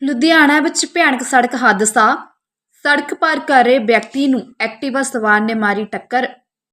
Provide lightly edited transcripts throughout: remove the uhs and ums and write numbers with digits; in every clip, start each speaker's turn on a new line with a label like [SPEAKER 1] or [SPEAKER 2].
[SPEAKER 1] ਲੁਧਿਆਣਾ ਵਿੱਚ ਭਿਆਨਕ ਸੜਕ ਹਾਦਸਾ। ਸੜਕ ਪਾਰ ਕਰ ਰਹੇ ਵਿਅਕਤੀ ਨੂੰ ਐਕਟਿਵਾ ਸਵਾਰ ਨੇ ਮਾਰੀ ਟੱਕਰ।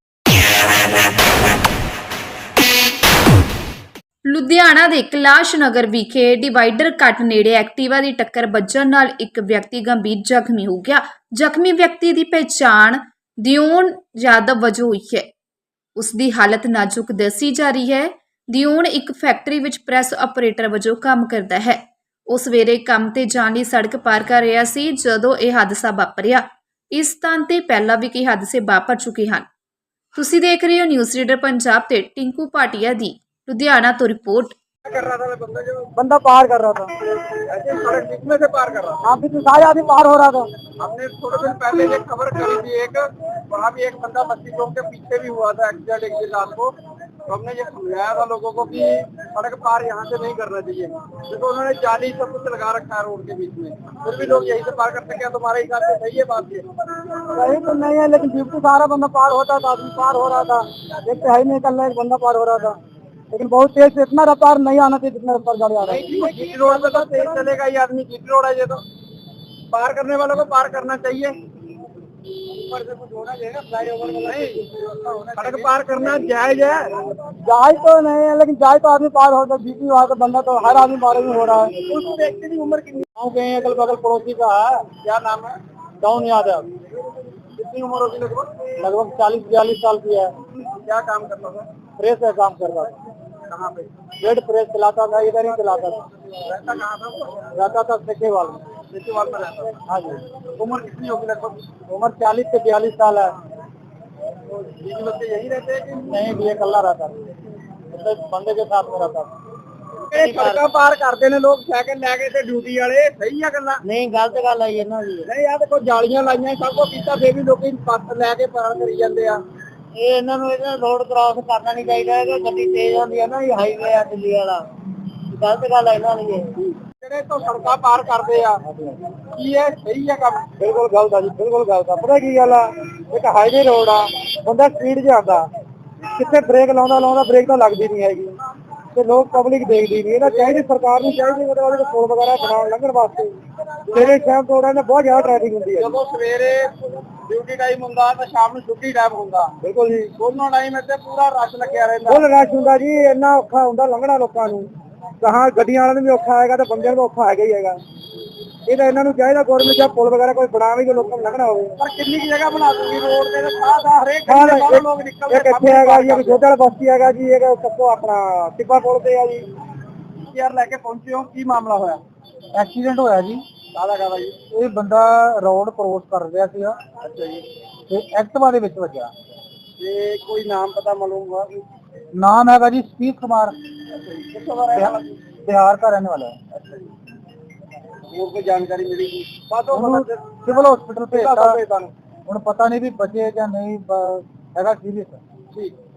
[SPEAKER 1] ਲੁਧਿਆਣਾ ਦੇ ਕੈਲਾਸ਼ ਨਗਰ ਵਿਖੇ ਡਿਵਾਈਡਰ ਕੱਟ ਨੇੜੇ ਐਕਟਿਵਾ ਦੀ ਟੱਕਰ ਵੱਜਣ ਨਾਲ ਇੱਕ ਵਿਅਕਤੀ ਗੰਭੀਰ ਜ਼ਖਮੀ ਹੋ ਗਿਆ। ਜ਼ਖਮੀ ਵਿਅਕਤੀ ਦੀ ਪਛਾਣ ਦਿਓਨ ਯਾਦਵ ਵਜੋਂ ਹੋਈ ਹੈ। ਉਸ ਦੀ ਹਾਲਤ ਨਾਜ਼ੁਕ ਦੱਸੀ ਜਾ ਰਹੀ ਹੈ। ਦਿਓਨ ਇੱਕ ਫੈਕਟਰੀ ਵਿੱਚ ਪ੍ਰੈਸ ਆਪਰੇਟਰ ਵਜੋਂ ਕੰਮ ਕਰਦਾ ਹੈ। ਉਹ ਸਵੇਰੇ ਕੰਮ ਤੇ ਜਾਣ ਲਈ ਸੜਕ ਪਾਰ ਕਰ ਰਿਹਾ ਸੀ ਜਦੋਂ ਇਹ ਹਾਦਸਾ ਵਾਪਰਿਆ। ਇਸ ਸਥਾਨ ਤੇ ਪਹਿਲਾਂ ਵੀ ਕਈ ਹਾਦਸੇ ਵਾਪਰ ਚੁੱਕੇ ਹਨ। ਤੁਸੀਂ ਦੇਖ ਰਹੇ ਹੋ ਨਿਊਜ਼ ਰੀਡਰ ਪੰਜਾਬ ਤੇ टिंकू भाटिया ਦੀ लुधियाना तो रिपोर्ट।
[SPEAKER 2] कर रहा था बंदा पार कर रहा था। ऐसे सड़क बीच में से पार कर रहा था। हाँ, बीच में सारे आदमी पार हो रहा था। हमने थोड़े दिन पहले एक खबर करी थी, एक वहाँ भी एक बंदा बस्ती चौक के पीछे भी हुआ था एक्सीडेंट एक दिन रात को। तो हमने ये समझाया था लोगों को कि सड़क पार यहाँ से नहीं करना चाहिए, क्योंकि उन्होंने जाली सब कुछ लगा रखा है रोड के बीच में, फिर भी लोग यहीं से पार करते। क्या तुम्हारे हिसाब से सही है बात? ये सही तो नहीं है, लेकिन ड्यूटी सारा बंदा पार होता था, आदमी पार हो रहा था। एक तो है नहीं, कल एक बंदा पार हो रहा था, लेकिन बहुत तेज से, इतना रफ्तार नहीं आना चाहिए जितना रफ्तार गाड़ी आ रहा है। जीटी रोड पे तो तेज चलेगा ये आदमी, जीटी रोड है ये तो पार करने वालों को पार करना चाहिए। ऊपर से कुछ होना चाहिए, फ्लाईओवर नहीं, सड़क पार करना जायज है। जायज तो नहीं है, लेकिन जायज तो आदमी पार होता है। जीटी वहाँ का बंदा तो हर आदमी पार ही हो रहा है। उस व्यक्ति की उम्र कितनी? गाँव के अगल बगल पड़ोसी का है। क्या नाम है? डाउन यादव। कितनी उम्र होगी? लगभग 40-42 साल की है। क्या काम करता था? प्रेस का काम कर रहा था। कहाँ पे? रेड प्रेस चलाता था, इधर ही चलाता था। रहता कहाँ था वो? रहता था सेकेवाल में। सेकेवाल में रहता था। हाँ जी। उम्र कितनी होगी लगभग? उम्र 40 से 42 साल है। तो बीवी बच्चे यही रहते हैं कि नहीं? भी अकेला रहता था, बंदे के साथ में रहता था। सड़क पार करते ने लोग साइकिल लैके ते ड्यूटी वाले, सही है गल्ला? नहीं, गलत गल है ये ना जी। नहीं यार, देखो जालियां लाइयां सब को कीता, फिर भी लोग बस लैके पार करी जांदे आ। ਇਹ ਇਹਨਾਂ ਨੂੰ ਰੋਡ ਕ੍ਰਾਸ ਕਰਨਾ ਨਹੀਂ ਚਾਹੀਦਾ ਹੈ ਕਿ ਗੱਡੀ ਤੇਜ਼ ਹੁੰਦੀ ਹੈ ਨਾ, ਇਹ ਹਾਈਵੇ ਆ ਦਿੱਲੀ ਵਾਲਾ, ਗਲਤ ਗੱਲ ਹੈ ਇਹਨਾਂ ਦੀ। ਜਿਹੜੇ ਤੋਂ ਸੜਕਾਂ ਪਾਰ ਕਰਦੇ ਆ ਕੀ ਇਹ ਸਹੀ ਹੈ ਕੰਮ? ਬਿਲਕੁਲ ਗਲਤ ਆ ਜੀ, ਬਿਲਕੁਲ ਗਲਤ ਆ। ਪਤਾ ਕੀ ਗੱਲ ਆ, ਇੱਕ ਹਾਈਵੇ ਰੋਡ ਆ, ਬੰਦਾ ਸਪੀਡ 'ਚ ਆਉਂਦਾ, ਕਿੱਥੇ ਬ੍ਰੇਕ ਲਾਉਂਦਾ ਬ੍ਰੇਕ ਤਾਂ ਲੱਗਦੀ ਨਹੀਂ ਹੈਗੀ, ਤੇ ਲੋਕ ਪਬਲਿਕ ਦੇਖਦੀ ਨਹੀਂ। ਇਹਨਾਂ ਚਾਹੀਦੀ ਸਰਕਾਰ ਨੂੰ ਚਾਹੀਦੀ ਉਹਦੇ ਪੁਲ ਵਗੈਰਾ ਬਣਾਉਣ ਲੰਘਣ ਵਾਸਤੇ। ਸਵੇਰੇ ਸ਼ਾਮ ਤੋਂ ਉਹਨਾਂ ਬਹੁਤ ਜ਼ਿਆਦਾ ਟ੍ਰੈਫਿਕ ਹੁੰਦੀ ਹੈ। ਜਦੋਂ ਸਵੇਰੇ ਡਿਊਟੀ ਟਾਈਮ ਹੁੰਦਾ ਤਾਂ ਸ਼ਾਮ ਨੂੰ ਛੁੱਟੀ ਟਾਈਮ ਹੁੰਦਾ। ਬਿਲਕੁਲ ਜੀ, ਦੋਨੋਂ ਟਾਈਮ ਇੱਥੇ ਪੂਰਾ ਰਸ਼ ਲੱਗਿਆ ਰਹਿੰਦਾ। ਫੁੱਲ ਰਸ਼ ਹੁੰਦਾ ਜੀ, ਇੰਨਾ ਔਖਾ ਹੁੰਦਾ ਲੰਘਣਾ ਲੋਕਾਂ ਨੂੰ। ਕਹਾਂ ਗੱਡੀਆਂ ਵਾਲਿਆਂ ਨੂੰ ਵੀ ਔਖਾ ਹੈਗਾ ਤੇ ਬੰਦਿਆਂ ਨੂੰ ਔਖਾ ਹੈਗਾ ਹੀ ਹੈਗਾ। ਇਹ ਤਾਂ ਇਹਨਾਂ ਨੂੰ ਚਾਹੀਦਾ ਗੌਰਮੈਂਟ ਜਾਂ ਪੁਲ ਵਗੈਰਾ ਕੋਈ ਬਣਾਵੇ ਕਿ ਲੋਕਾਂ ਨੂੰ ਲੰਘਣਾ ਹੋਵੇ। ਪਰ ਕਿੰਨੀ ਕੀ ਜਗ੍ਹਾ ਬਣਾ ਦੂਗੀ ਰੋਡ ਤੇ? ਹਰੇਕ ਲੋਕ ਨਿਕਲਦੇ। ਕਿੱਥੇ ਹੈਗਾ ਜੀ? ਛੋਟਾ ਵਾਲਾ ਬਸਤੀ ਹੈਗਾ ਜੀ, ਇਹ ਸਭ ਆਪਣਾ ਟਿੱਬਾ ਪੁਲ ਤੇ ਆ ਜੀ। ਯਾਰ ਲੈ ਕੇ ਪਹੁੰਚੇ ਹੋ, ਕੀ ਮਾਮਲਾ ਹੋਇਆ? ਐਕਸੀਡੈਂਟ ਹੋਇਆ ਜੀ। ਕਾਹਦਾ ਜੀ? ਇਹ ਬੰਦਾ ਰੋਡ ਕ੍ਰੋਸ ਕਰ ਰਿਹਾ ਸੀਗਾ। ਅੱਛਾ ਜੀ। ਤੇ ਐਕਟਿਵਾ ਦੇ ਵਿੱਚ ਵੱਜਾ। ਤੇ ਕੋਈ ਨਾਮ ਪਤਾ ਮਾਲੂਮ हुआ? ਨਾਮ ਹੈਗਾ ਜੀ ਸਪੀਤ ਕੁਮਾਰ। ਅੱਛਾ ਜੀ। ਕਿੱਥੋਂ ਦਾ ਰਹਿਣ ਵਾਲਾ? ਬਿਹਾਰ ਦਾ ਰਹਿਣ ਵਾਲਾ ਹੈ। ਅੱਛਾ ਜੀ। ਹੋਰ ਕੋਈ ਜਾਣਕਾਰੀ ਮਿਲੀ? ਸਿਵਲ ਹਸਪੀਟਲ ਭੇਜਤਾ, ਹੁਣ ਪਤਾ ਨਹੀਂ ਵੀ ਬਚੇ ਜਾਂ ਨਹੀਂ, ਹੈਗਾ ਸੀਰੀਅਸ। ਠੀਕ।